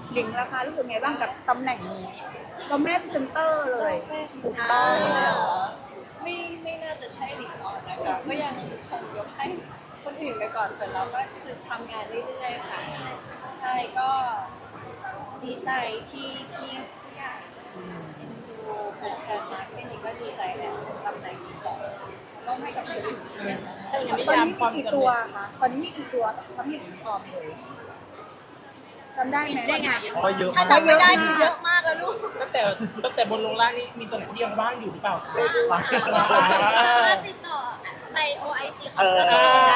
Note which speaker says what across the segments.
Speaker 1: หลิงราคารู้สึกไงบ้างกับตำแหน่งนี้ก็แม่พรีเซนเตอร์เลยถูกต้อง
Speaker 2: ไม่น่าจะใช่หลิงออนนะคะก็ยังคงยกให้คนอื่นไปก่อนส่วนเราก็คือทำงานเรื่อยๆค่ะใช่ก็ดีใจที่ผู้ใหญ่เอ็นดูแฟนๆมาแค่นี้ก็ดีใจแล้วสำหรับในนี้ของต้องให้กับคนอื่น
Speaker 1: ตอนนี้มีกี่ตัวคะตอนนี้มีกี่ตัวทั้งหญิงออมเลยจำได้ไหม
Speaker 3: ได้ไง
Speaker 4: อ๋อเยอะ
Speaker 2: ถ้าจำไม่ได้คือเยอะมากแล้วลูก
Speaker 4: ตั้งแต่บนลงล่างนี่มีส่วนไหนที่ยังว่างอยู่หรือเปล่าคะ
Speaker 3: ว่าติดต่อไป OIG ของเราได้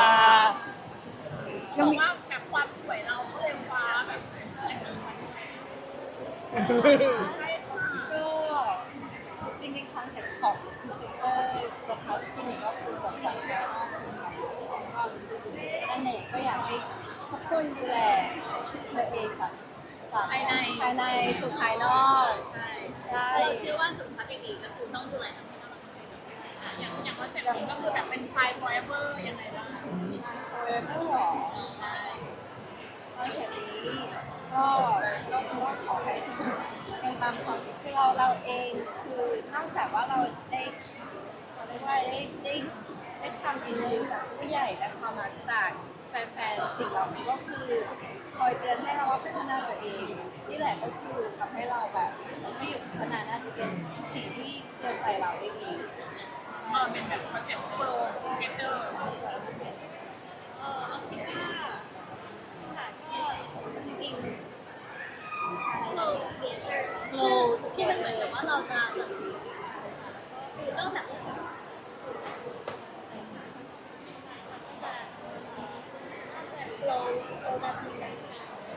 Speaker 3: บอกว่าแบบความสวยเราก็เลยว้าแบบ
Speaker 2: ก็จริงๆคอนเซ็ปต์ของพรีเซนเตอร์จะทัชคลินิกก็คือสวนสัตว์ภายนอกนั่นเองก็อยากให้ทุกคนดูแลตัวเองจากภายในสู่ภายนอกใช่
Speaker 3: เราเชื่อว่าสุขภาพดีก็คือต้องดูแลทั้งหมดอย่างว่าเจ็บก็คือแบบเป็นชาย forever ยังไงบ้าง
Speaker 2: ไม่หรอคอนเซ็ปต์นี้ก็คือว่าขอให้เป็นตามความคิดคือเราเองคือนอกจากว่าเราได้เขาเรียกว่าได้ทำอินรู้จากผู้ใหญ่และความรักจากแฟนๆสิ่งเหล่านี้ก็คือคอยเตือนให้เราว่าพัฒนาตัวเองนี่แหละก็คือทำให้เราแบบไม่หยุดพัฒนาน่าจะเป็นสิ่งที่เตือนใจเราได้ดี
Speaker 3: เป็นแบบคอนเซ็ปต์โปรเกเตอร์
Speaker 2: เอาคิดว่าค่ะก็จริงๆ
Speaker 3: โลที่มันเหมือนกับว่าเราจะแบบนอกจากเราจะทำอย่างไร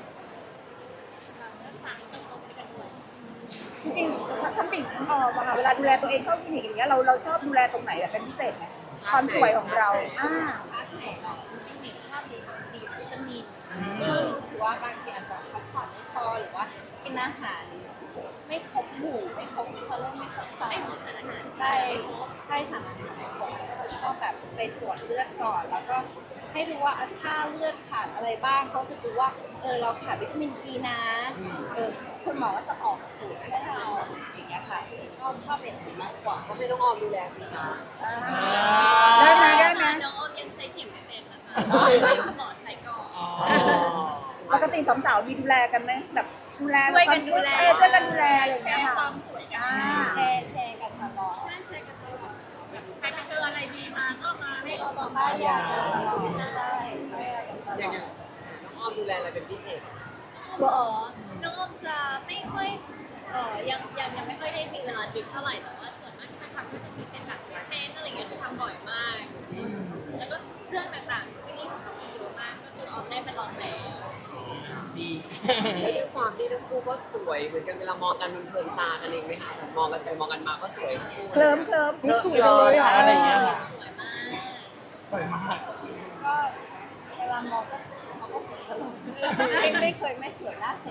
Speaker 3: ต่างต้องเอาไปกันด้วย
Speaker 1: จริงๆทั้งปิ่งทั้งออมอะค่ะเวลาดูแลตัวเองเข้าคลินิกอย่างเงี้ยเราชอบดูแลตรงไหนแบบเป็นพิเศษไหมความสวยของเรา
Speaker 2: พาร์ทไหนเนาะจริงๆหนิงชอบดีวิตามินเพื่อรู้สึกว่าบางทีอาจจะพักผ่อนไม่พอหรือว่ากินอาหารไม่ครบหมู่ไม่ครบเขาเรียกไม่ครบสาร
Speaker 3: ไม่หมดสารอาหาร
Speaker 2: ใช่สารอาหารไม่ครบก็จะชอบแบบไปตรวจเลือดก่อน แล้วก็ให้ดูว่าค่าเลือดขาดอะไรบ้างเขาจะดูว่าเราขาดวิตามินอีนะคุณหมอก็จะออกสูตรให้เราอย่างเงี้ยค่ะจะชอบเป็นอย่างนี้มากกว่าก็ไม่ต้องออมดูแลสิคะ
Speaker 1: ได้ไหม
Speaker 3: น้องอ้อมยังใช้เข็มไม่เป็นนะคะหมอใช้ก่อน
Speaker 1: ปกติสองสาวมีดูแลกันไหมแบบดูแล
Speaker 2: ช่วยกันดูแล
Speaker 1: ช่วยกันดูแลอะไรอย่างเงี้ย
Speaker 3: ค
Speaker 1: ค่ะ
Speaker 3: วามสวยกัน
Speaker 2: แชร์กันตลอด
Speaker 3: ใช่ใช่กันตลอดแบบใครไปเจออะไรดีมาก็มาให้เราบอก
Speaker 2: บ้า
Speaker 3: ว่าน
Speaker 2: ยาใช่บ้านยากันตลอด
Speaker 5: น้องอ้อมดูแลอะไรเป็นพิเศษ
Speaker 3: น้องอ้อมจะไม่ค่อยยังไม่ค่อยได้มีเวลาดริปเท่าไหร่แต่ว่าส่วนมากที่ทำก็จะมีเป็นแบบเต้นอะไรอย่างเงี้ยทำบ่อยมาก แล้วก็เครื่องต่างๆที่นี่ของเขามีเยอะมากก็คือออมได้ไปลองแล้ว
Speaker 5: ดี แล้วด้วยความที่ทั้งคู่ก็สวยเหมือนกันเวลามองกันมันเพลินตากันเองไหมคะแบบมองกันไปมองกันมาก็สวย
Speaker 1: เคลิ้ม
Speaker 4: สวยเลยอะอะไรเงี้ย
Speaker 3: สวยมาก
Speaker 4: สวยมาก
Speaker 2: ก็เวลามองก็เขาก็สวยตลอดไม่เคยไม่สวยล่าสุด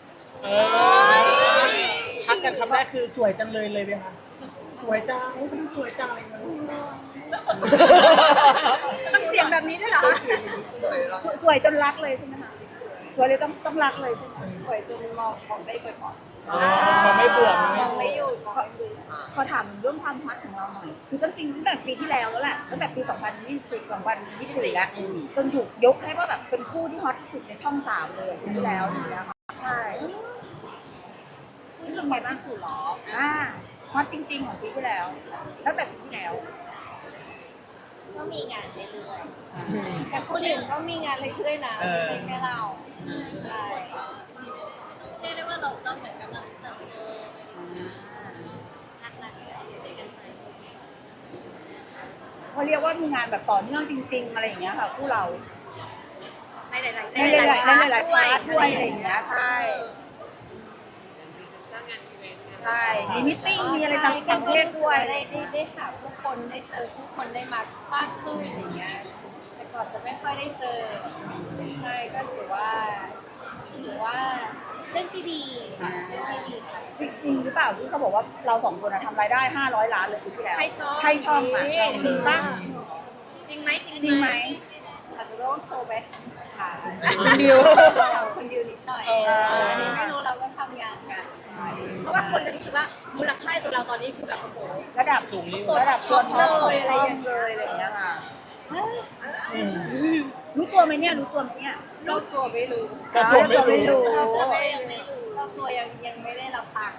Speaker 4: ทักกันคำแรกคือสวยจังเลยไหมคะสวยจังไม่ได้สวยจังอะไรเงี้ย
Speaker 1: ต้องเสียงแบบนี้ด้วยเหรอคะ
Speaker 5: สวยแล้ว
Speaker 1: สวยจนรักเลยใช่ไหมคะสวยเลยต้องรักเลยใช่ไหม
Speaker 2: สวยจนมองได้บ่อย
Speaker 4: มันไม่เบื่อ
Speaker 2: ๆมองไม่หยุดมองไม่หยุด
Speaker 1: เขาถามเรื่องความฮอตของเราหน่อย คือตั้งแต่ปีที่แล้วแล้วแหละ ตั้งแต่ปี 2020 2024 แล้ว จนถูกยกให้ว่าแบบเป็นคู่ที่ฮอตที่สุดในช่อง 3 เลยปีที่แล้วอย่างเงี้ยค่ะ ใช่รู้สึกไงบ้าง
Speaker 2: ที่สุดหรอ
Speaker 1: ฮอตจริง ๆ ของปีที่แล้ว ตั้งแต่ปีที่แล้ว
Speaker 2: ก็มีงานเรื่อยๆแต่คนอื่นก็มีงานเรื่อยๆนะไม่ใช่แค่เราใช่
Speaker 3: เรียกได้ว่าเราเหมือนกำลังเติบโตรักๆอะไรกันไป
Speaker 1: เขาเรียกว่ามีงานแบบต่อเนื่องจริง ๆ อะไรอย่างเงี้ยค่ะคู่เรา
Speaker 3: ในหลายๆ
Speaker 1: ในหลายๆพาร์ทด้วยอะไรอย่างเงี้ย ใช่
Speaker 5: เป็นพรีเซนเตอร์งานอีเวนต์เนี่ย
Speaker 1: ใช่ มีมิทติ้ง มีอะไรต่างประเทศด้วย
Speaker 2: ได้หาผู้คนได้เจอผู้คนได้มากขึ้นอย่างเงี้ยแต่ก่อนจะไม่ค่อยได้เจอใช่ก็ถือว่าเรื่องที่ดีค่ะเรื่องที่ดีค่ะ
Speaker 1: จริงหรือเปล่าที่เขาบอกว่าเราสองคนทำรายได้ 500 ล้านเลยปีที่แล้ว
Speaker 2: ให้ช่อง
Speaker 1: ให้ช่องอ่ะจริงป่ะ
Speaker 3: จริงไหม
Speaker 1: จริงไหม
Speaker 2: อาจจะต้องต้องโทรไปหา
Speaker 1: คุณดิว
Speaker 2: คนดิวนิดหน่อยอันนี้ไม่รู้เราก็ทำงานกันไป
Speaker 6: เพราะว่าคนจะรู้สึกว่ามูลค่าตัวเราตอนนี้คือแบบโอ้โห
Speaker 1: ระดับ
Speaker 4: สูงนี่
Speaker 1: ระดับคนฮอตของช่องเลยอะไรอย่างเงี้ยค่ะ รู้ตัวไหมเนี่ยรู้ตัวไหมเนี่ย
Speaker 2: เจ้าตัวไม่รู้
Speaker 4: ก็ตัวไม่รู้
Speaker 2: เจ้าตัว
Speaker 3: ไม่
Speaker 2: ไม่
Speaker 3: ยัง
Speaker 2: รู้
Speaker 3: ไม่รู้
Speaker 2: เจ้าตัวยังไม่ได้รับตังค์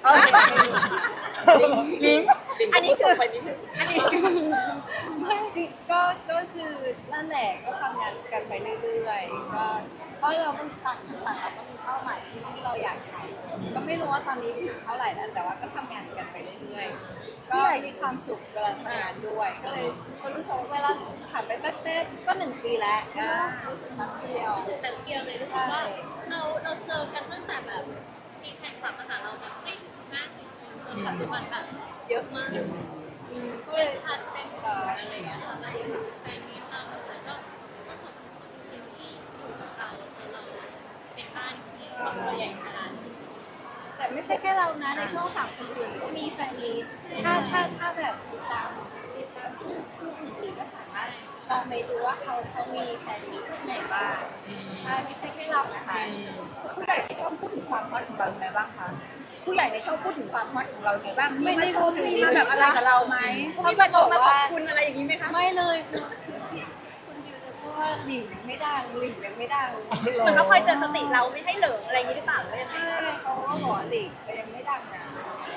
Speaker 1: ลิง
Speaker 5: อันนี้คือไปนิดนึง
Speaker 2: ไม่จริงก็คือนั่นแหละก็ทำงานกันไปเรื่อยๆก็เพราะเราต้องต่างคนต่างเราก็มีเป้าหมายที่เราอยากทำก็ไม่รู้ว่าตอนนี้อยู่เท่าไหร่แล้วแต่ว่าก็ทำงานกันไปเรื่อยๆก็มีความสุขเวลาทำงานด้วย ก็เลยรู้สึกว่าเวลาผ่านไปแป๊บๆก็1 ปีแล้วก็รู้สึกนับเดียว
Speaker 3: รู้สึกแบบเดียวเลยรู้สึกว่าเราเจอกันตั้งแต่แบบมีแฟนคลับมาหาเราแบบไม่ถึง50 คนจนปัจจุบันแบบเยอะมาก
Speaker 2: ก็
Speaker 3: ก็
Speaker 2: เล
Speaker 3: เลย ยทันเป็นอะไรอย่างเงี้ยค่ะมาถึงแฟนมีเราแล้วก็ต้องขอบคุณจริงๆที่อยู่กับเราแล้วเราเป็นบ้านที่ครอบครัวใหญ่ขนาดนี้
Speaker 2: แต่ไม่ใช่แค่เรานะในช่วง3 คนอื่นก็มีแฟนมีตถ้าแบบติดตามคู่อื่นๆก็สามารถลองไปดูว่าเขามีแฟนมีตที่ไหนบ้างใช่ไม่ใช่แค่เรานะคะ
Speaker 1: ผู้ใหญ่ในช่องพูดถึงความฮอตของเรายังไงบ้างคะผู้ใหญ่ในช่องพูดถึงความฮอตของเรายังไงบ้างมีมาชมมีมาแบบอะไรกับเราไหม
Speaker 2: เขาจะบอก
Speaker 6: มาขอบ
Speaker 2: ว่า
Speaker 6: คุณอะไรอย่างนี้ไหมคะ
Speaker 2: ไม่เลยคือคุณดิวจะพูดว่าหลิงไม่ดังหลิงยังไม่ดัง
Speaker 6: เหมือนเขาคอยเตือนสติเราไม่ให้เหลิงอะไรอย่างนี้หรือเปล่าหรือว่ายังไง
Speaker 2: ใช่เขาก็บอกว่าหลิงยังไม่ดังนะ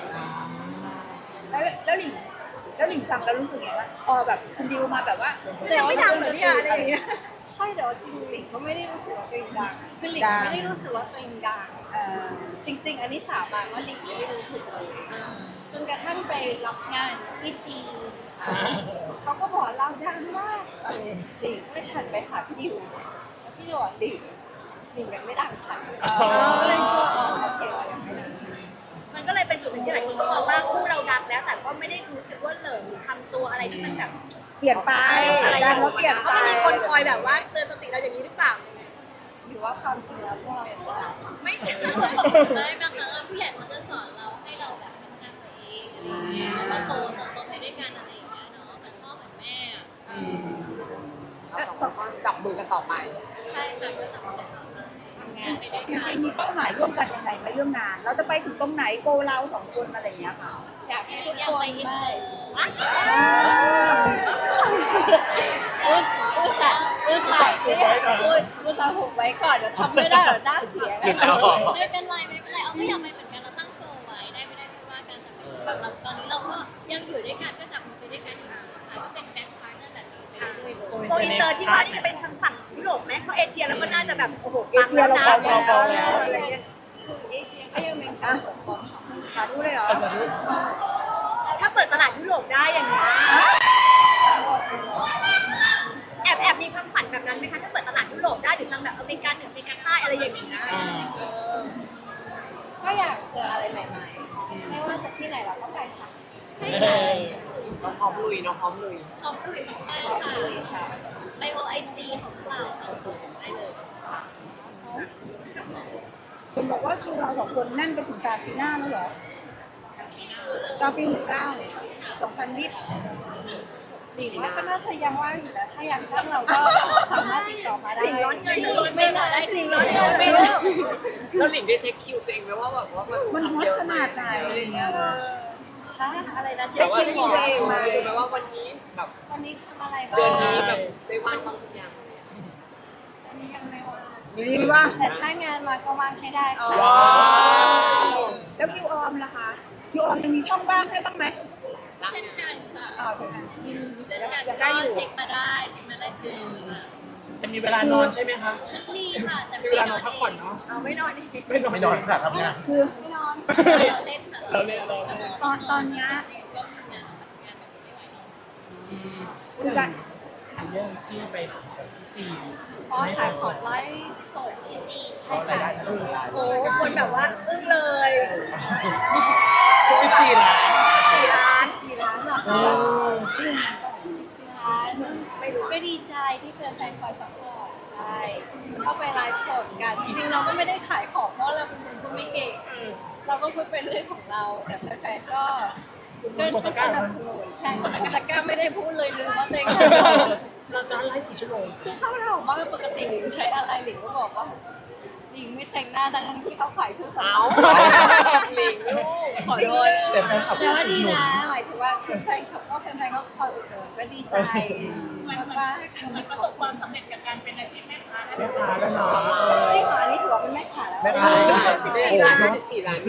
Speaker 1: แล้วหลิงฟังแล้วรู้สึกไงว่าพอแบบคุณดิวมาแบบว่า
Speaker 6: แต่ไม่ดังเหมือนเนี่ยอะไรอย่างเงี้ย
Speaker 2: ใช่แต่ว่าจริงหลิงก็ไม่ได้รู้สึกว่าตัวเองดังคือหลิงไม่ได้รู้สึกว่าตัวเองดัง
Speaker 1: เอ่อ
Speaker 2: จริง ๆ อันนี้สาบานว่าหลิงไม่ได้รู้สึกเลยจนกระทั่งไปรับงานที่จีนค่ะเขาก็บอกเราดังมากหลิงก็เลยหันไปหาพี่ดิวแล้วพี่ดิวบอกหลิงยังไม่ดังค่ะก็เลยชวนโอเคเรายังไม่ดัง
Speaker 6: มันก็เลยเป็นจุดหนึ่งที่หลายคนก็มองว่าคู่เราดังแล้ว แต่ก็ไม่ได้รู้สึกว่าเหลิงหรือทำตัวอะไรที่มันแบบ
Speaker 1: เปลี่ยนไป
Speaker 6: อะไร
Speaker 1: ดังแล้วเปลี่ยน
Speaker 6: ก็
Speaker 1: ไป
Speaker 6: มีคนคอยแบบว่าเตือนสติเราอย่างนี้หรือเปล่า
Speaker 2: หรือว่าความจริงแล้วพวกเรายังไม่ดัง
Speaker 6: ไม่ใช่
Speaker 3: ไม่บางครั้งผู้ใหญ่เขาจะสอนเราให้เราแบบพัฒนาตัวเองอะไรอย่างเงี้ยแล้วก็โตไปด้วยกันอะไรอย่างเงี้ยเนาะเหมือนพ่อเหมือนแม่อะ
Speaker 5: เราสองคนก็จับมือกันต่อไป
Speaker 3: ใช่ค่ะก็ทำงาน
Speaker 2: ทำงาน
Speaker 3: ไปด้วย
Speaker 1: จ
Speaker 3: กัน
Speaker 1: ริงๆมีเป้าหมายร่วมกันยังไงไหมเรื่องงาน เราจะไปถึงตรงไหนโกเรา2 คนอะไรอย่างเงี้ยค่ะ
Speaker 2: อยากให้ทุก
Speaker 3: อยา
Speaker 2: ค
Speaker 3: กไป
Speaker 2: น
Speaker 3: อิน
Speaker 2: ไม่
Speaker 3: เตอร์
Speaker 2: อุตส่าห์หุบไว้ก่อนเดี๋ยวทำไม่ได้เดี๋ยวหน้าเสียกัน
Speaker 3: ไม่เป็นไรเอาก็อยากไปเหมือนกันเราตั้งโกไว้ได้ไม่ได้ไม่ว่ากันแต่แบบเราตอนนี้เราก็ยังอยู่ด้วยกันก็จับมือไปด้วยกันอยู่นะคะก็เป็น best partner แบบนี้ไปเรื่อยๆ
Speaker 6: โกอินเตอร์ที่ว่านี่จะเป็นทางฝั่งยุโรปไหมเพราะเอเชียแล้วก็น่าจะแบบโอ้โห
Speaker 1: เอเชียเราพร้อมแล้ว
Speaker 6: อะไรเงี้ย
Speaker 2: คือเอเชียก็ยังเป็นความสดใสของ
Speaker 1: สาธุเลยเหรอ
Speaker 6: ถ้าเปิดตลาดยุโรปได้อย่างนี้แอบมีความฝันแบบนั้นไหมคะถ้าเปิดตลาดยุโรปได้หรือทางแบบอเมริกาเหนืออเมริกาใต้อะไรอย่างนี้นะ
Speaker 2: ก็อยากเจออะไรใหม่ๆไม่ว่าจะที่ไหนเราก็ไปค่ะ
Speaker 3: ใช่ค่ะ
Speaker 5: น้องพร้อมลุยน้องพร้อมลุย
Speaker 3: ขอบคุณมากค่ะไปโอไอจีของเราสองคนได้เลย
Speaker 1: เห็นบอกว่าคิวเรา2 คนแน่นไปถึงกลางปีหน้าแล้วเหรอ กลางปี69 2020
Speaker 2: หลิงว่าก็น่าจะยังว่างอยู่นะถ้าอยากจ้างเราก็สามารถติดต่อมาได้
Speaker 6: หลิงร้อนเงินหรือร้อน
Speaker 2: ไม่
Speaker 6: เงิน
Speaker 2: ได้
Speaker 6: หลิงร้อนเงิน
Speaker 2: ไม่
Speaker 6: ไม่
Speaker 2: ได้
Speaker 6: ได้
Speaker 5: แล้วหลิงได้เช็คคิวตัวเองไหมว่าแบบว่า
Speaker 1: มัน
Speaker 5: มัน
Speaker 1: ฮอต
Speaker 5: เยอะ
Speaker 1: ขนาดไหนอะไรเงี้ย
Speaker 2: ฮะอะไรนะเช็
Speaker 5: แต่
Speaker 2: ค
Speaker 5: ว่า
Speaker 2: คิว
Speaker 5: คิว
Speaker 2: เหร
Speaker 5: ตัว
Speaker 2: อ
Speaker 5: เองมาเลยไหมว่าวันนี้แบบ
Speaker 2: วันนี้ทำอะไรบ้าง
Speaker 5: เดือนนี้แบบได้ว่างบางอย่าง
Speaker 2: วันนี้ยังไม่ว่าง
Speaker 1: อยู่ดีว่า
Speaker 2: แต่ถ้างานมาก็ว่างให้ได้ค่ะ
Speaker 1: ว้าว แล้วคิวออมล่ะคะ คิวออมยังมีช่องบ้างให้บ้างไหม
Speaker 3: เช่นกันค่ะ
Speaker 1: อ้าวใช่ไหม
Speaker 3: เช่นกัน
Speaker 1: ยัง
Speaker 3: ก็
Speaker 1: ได้อยู่
Speaker 3: เช็คมาได้เช็คมาได้เสมอค่ะ
Speaker 4: จะมีเวลานอนใช่ไหมคะ
Speaker 3: มีค่ะแต่
Speaker 4: มีเวลานอนพักผ่อนเนาะ
Speaker 6: เอาไม่นอนดิ
Speaker 4: ไม่นอนค่ะทำงาน
Speaker 1: คือ
Speaker 2: ไม่นอน
Speaker 3: เราเล่นค่ะ
Speaker 4: เราเล่นเรา
Speaker 1: ตอนเนี้ย
Speaker 3: ก็ทำงานแบบไม่ไหวหรอก
Speaker 1: คือการ
Speaker 4: เรื่องที่ไปของที่จีน
Speaker 2: อ๋อขายของไลฟ์สดที่จีนใช่
Speaker 4: ราย
Speaker 2: ค่ะ
Speaker 4: ได้เท่าไหร่
Speaker 6: โอ้คนแบบว่าอึ้งเลย
Speaker 4: ที่จีนละ
Speaker 2: 4 ล้านเหรอ
Speaker 4: โอ้
Speaker 2: คะ14 ล้านไม่รู้ก็ดีใจที่แฟนๆคอยซัพพอร์ตใช่เข้าไปไลฟ์สดกัน จริงๆเราก็ไม่ได้ขายของเพราะเราเป็นคนพูดไม่เก่ง เราก็พูดเป็นเรื่องของเรา แต่แฟนๆก็สนับสนุนใช่แต่ก้าไม่ได้พูดเลยลืมว่าตัวเองขายของ
Speaker 4: เราจะไลฟ์กี่ชั่วโมง
Speaker 2: คือเข้าถามว่าปกติหลิงใช้อะไรหลิงก็บอกว่าหลิงไม่แต่งหน้าทั้งที่เขาขายเครื่องสำ
Speaker 5: เอา
Speaker 2: อาง
Speaker 5: หลิงลูก
Speaker 2: ขอโทษ
Speaker 4: แต่แฟนคลับ
Speaker 2: แต่ว่าดีนะหมายถึงว่าแฟนคลับก็คอยอุดหนุนก็ดีใจมากๆค่ะ
Speaker 3: เหมือนประสบความสำเร็จกับการเป็นอาชีพแม่ค้านะ
Speaker 4: แม่ค้าแล้วเนาะ
Speaker 2: จริงเหรออันนี้ถือว่าเป็นแม่ขาแล้ว
Speaker 4: แม่ค้า
Speaker 5: 14 ล้าน14 ล้าน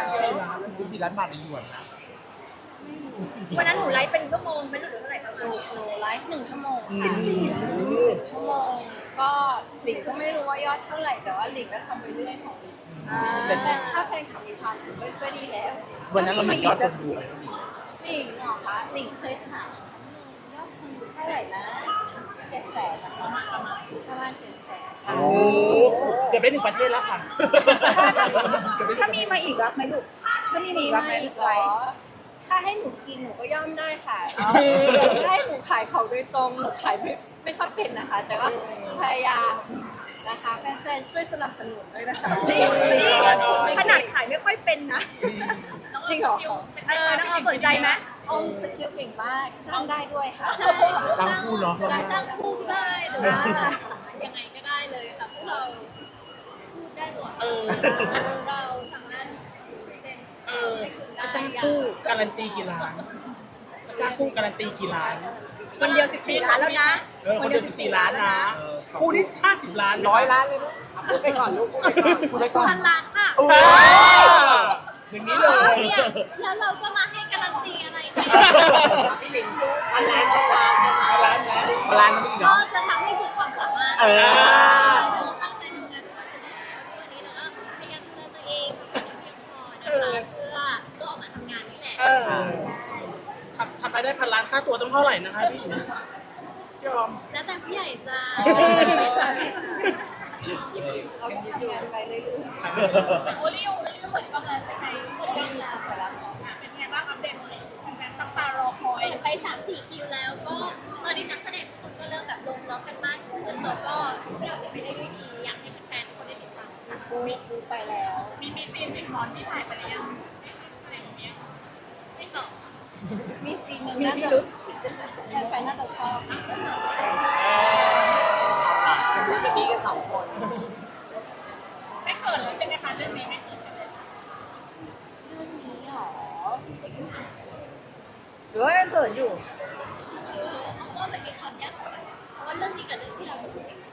Speaker 4: 14 ล้านบาทในหยวนนะ
Speaker 6: วันนั้นหนูไลฟ์เป็นชั่วโมงไม่รู้หรือเท่าไหร่ประมาณนี้
Speaker 2: หนูไลฟ์1 ชั่วโมงค่ะ1 ชั่วโมงก็หลิงก็ไม่รู้ว่ายอดเท่าไหร่แต่ว่าหลิงก็ทำไปเรื่อยของหลิงแต่ถ้าแฟนคลับมีความสุขก็ดีแล้ว
Speaker 4: วันนั้นเรามียอดคนดูไหม
Speaker 2: หลิงเหรอคะหลิงเคยถามยอดคนดูเท่าไหร่นะ700,000นะคะประมาณ700,000ค่ะ
Speaker 4: โอ้เกือบได้1 ประเทศแล้วค่ะ
Speaker 1: ถ้ามีมาอีกรับไหมลูกถ้ามี
Speaker 2: มี
Speaker 1: มาอีกรับไหม
Speaker 2: มาอีกเหรอถ้าให้หนูกินหนูก็ย่อมได้ค่ะถ้าให้หนูขายของโดยตรงหนูขายไม่ค่อยเป็นนะคะ แต่ว่าพยายามนะคะแฟนๆช่วยสนับสนุนด้วยนะคะ
Speaker 6: ขนาดขายไม่ค่อยเป็นนะ
Speaker 2: จริงเหรอ
Speaker 6: น้องออมสนใจไหม
Speaker 2: อมสกิลเก่งมากจ้างได้ด้วยค่ะ
Speaker 3: ใช่
Speaker 4: จ้างคู่เนาะ
Speaker 3: จ้างคู่ได้หรือว่ายังไงก็ได้เลยค่ะพวกเราพูดได้หมดเราสามารถพรีเซนต์ให้คุณได้
Speaker 4: จ้างคู่การันตีกี่ล้านจ้างคู่การันตีกี่ล้าน
Speaker 6: คนเดียว14 ล้านแล้วนะ
Speaker 4: คนเดียว14 ล้านนะ คู่ที่50 ล้าน
Speaker 5: 100 ล้านเลยลูกพูดไปก่อนลูกพูดไปก่อน
Speaker 3: พันล้านค่ะ
Speaker 4: โอ้อย่างนี้เลย
Speaker 3: เนี่ยแล้วเราก็มาให้การันตีอะไรเนี่ย
Speaker 5: พี่หลิงพันล้านพันล้าน
Speaker 4: ล้านนะ
Speaker 5: พันล้านนี่
Speaker 3: ก็
Speaker 5: เนาะ
Speaker 3: จะทำให้สุดความสามารถ
Speaker 4: เออ
Speaker 3: เราตั้งใจทำงานวันนี้เราก็พยายามดูแลตัวเองเพียงพอนะคะเพื่อออกมาทำงานนี่แหละ
Speaker 4: ทำรายได้1,000 ล้านค่าตัวต้องเท่าไหร่นะคะพี่ยอม
Speaker 3: แล้วแต่ผู้ใหญ่จะ
Speaker 2: เราก็ทำงานไปเรื่อย
Speaker 3: โอริโอเหมือนกันเลยใช่ไหมเหมือนกันแล้ว
Speaker 2: ๆแต่ละ
Speaker 3: เป็นไงบ้างอัปเดตหน่อยแฟนตั้งตารอคอยไป3-4 คิวแล้วก็ตอนนี้นักแสดงทุกคนก็เริ่มแบบลงล็อกกันมากขึ้นแล้วก็อยากจะไปได้ด้วยดีอยากให้แฟนๆทุกคนได้ติดตามค่ะ
Speaker 2: ดูไปแล้ว
Speaker 3: มีซีนติดคอนที่ถ่ายไปหรือยังอะไรอย่างเงี้ยไม่ตอบ
Speaker 2: มีซีนหนึ่งน่าจะแฟนๆน่าจะชอบ
Speaker 5: จะมีกัน2 คน
Speaker 3: ไม่เขินเลยใช่ไหมคะเรื่องนี้ไม่เขินใช่ไหม
Speaker 2: เรื่องนี้หรอ
Speaker 1: หรือว่ายังเขินอยู่
Speaker 3: เพราะว่ามันมีความยากของมันเพราะว่าเรื่องนี้กับเรื่องที่เราดู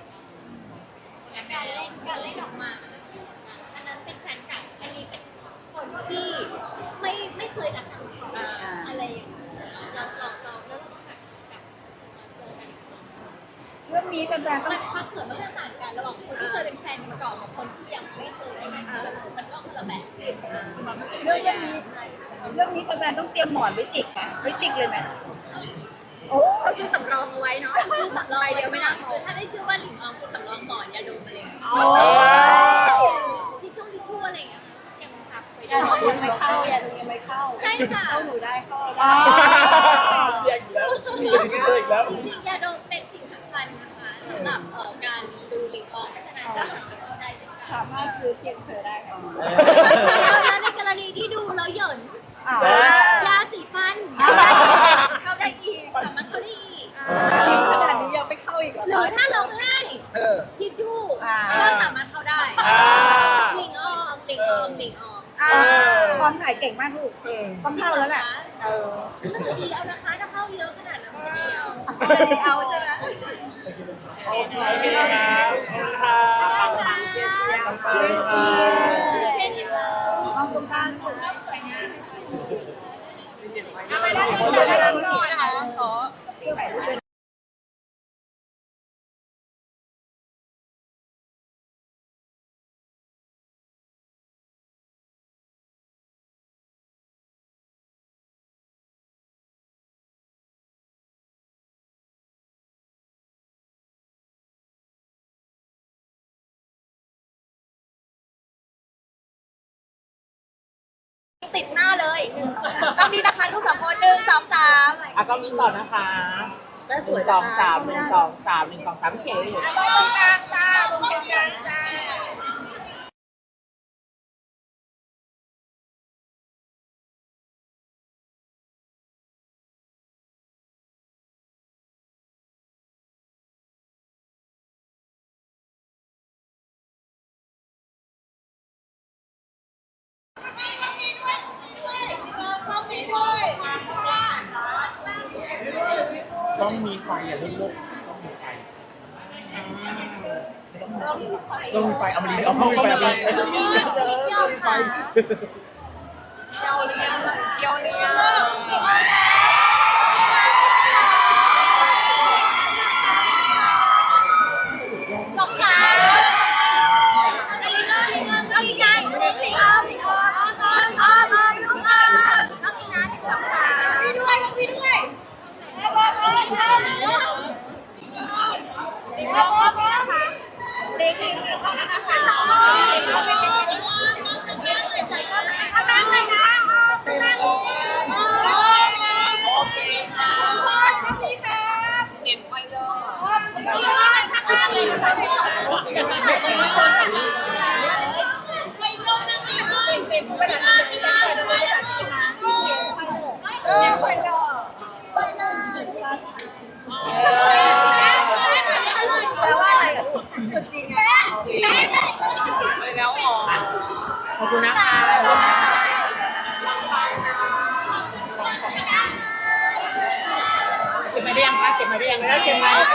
Speaker 3: การเล่นออกมามันก็คืออันนั้นเป็นแฟนเก่าอันนี้เป็นคนที่ไม่เคยรักกันมาก่อนอะไรอย่างเงี้ยเราแล้วเราต้องแบบเจอกัน
Speaker 1: เรื่องนี้แฟนๆต้อง
Speaker 3: มันความเขินมันก็ต่างกันระหว่างคนที่เคยเป็นแฟนมาก่อนกับคนที่ยังไม่เคยมันก็คนละแบบความรู้สึก
Speaker 1: เรื่องนี้
Speaker 3: ใช่
Speaker 1: เรื่องนี้แฟนๆต้องเตรียมหมอนไว้จิกไหมไว้จิกเลยไหมโอ้
Speaker 6: เขาซื้อสำรองเอาไว้เนาะ
Speaker 3: คือสำรอง
Speaker 6: ใบเดียวไม่น่าพอ
Speaker 3: คือถ้าได้ชื่อว่าหลิงออมคือสำรองหมอนยาดมอะไรอย่างเงี้ย ทิชชู่อะไรอย่างเงี้ยค่ะเตรียมซับไว้
Speaker 2: อย่าดูยังไม่เข้าอย่าดูยังไม่เข้า
Speaker 3: ใช่ค่ะ
Speaker 2: เข้าหนูได้เข้าเรา
Speaker 1: อ่า
Speaker 2: ได้
Speaker 4: เรียกอีกแล้วมีอย่างนี้เลยอีกแล้ว
Speaker 3: จริงๆยาดมเป็นสิ่งสำคัญนะคะสำหรับการดูหลิงออมเพราะฉะนั้นก็สามารถเข้าได้เช่นกัน
Speaker 2: สามารถซื้อเพียงเธอได้ค่ะ
Speaker 3: แล้วในกรณีที่ดูแล้วเหยิน
Speaker 1: อ่าย
Speaker 3: าสีฟัน
Speaker 6: เข้าได้อีก
Speaker 3: สามารถเข้าได้อีก
Speaker 2: ขนาดนี้ยังไม่เข้าอีกเหรอ
Speaker 3: หรือถ้าเราให้
Speaker 4: เออ
Speaker 3: ทิชชู่
Speaker 1: อ่า
Speaker 3: ก็สามารถเข้าได้
Speaker 4: อ่า
Speaker 3: หลิงออมหลิงออมหลิงออม
Speaker 1: อ่าความถ่ายเก่งมากลูกต้องเข้าแล้วแหละเออ
Speaker 3: มันจะดีเอานะคะถ้าเข้าเยอะขนาดนั้นมันจะดีเอา
Speaker 6: เอาใช่ไหม
Speaker 4: โอเคครับขอบคุณค่ะ
Speaker 3: เช่นอย่างนั้น
Speaker 2: ห้องตรงกลางใช่
Speaker 6: เอาไปได้เลยนะคะขอติดหน้าเลยต้องนี้นะคะทุก3 คน1 2 3
Speaker 4: อ่ะก็มีต่อนะคะ1 2 3 1 2 3 1 2 3เขียนอยู่
Speaker 1: ตรงกลางจ้าตรงกลางจ้า
Speaker 4: ต้องมีไฟอ่ะลูกต้องมีไฟ
Speaker 6: ต้องมีไฟ
Speaker 4: ต้องมีไฟเอามาดีเอาเข้าไปเอาไป
Speaker 5: ต้องมีไฟเกี่ยวเลี้ยง
Speaker 6: สองสามน้องอีกนะสิออมลูกออมน้องอีกนะสองสามพี่ด้วยเด็กๆก็นะคะน้องนั่งเลยนะนั่งโอเคค่ะพี่ค่ะเด่นไปเลย
Speaker 5: ขอบคุณนะคะ
Speaker 4: เก็บมาได้ยังคะเก็บมาได้ยังไม่ได้เก็บมา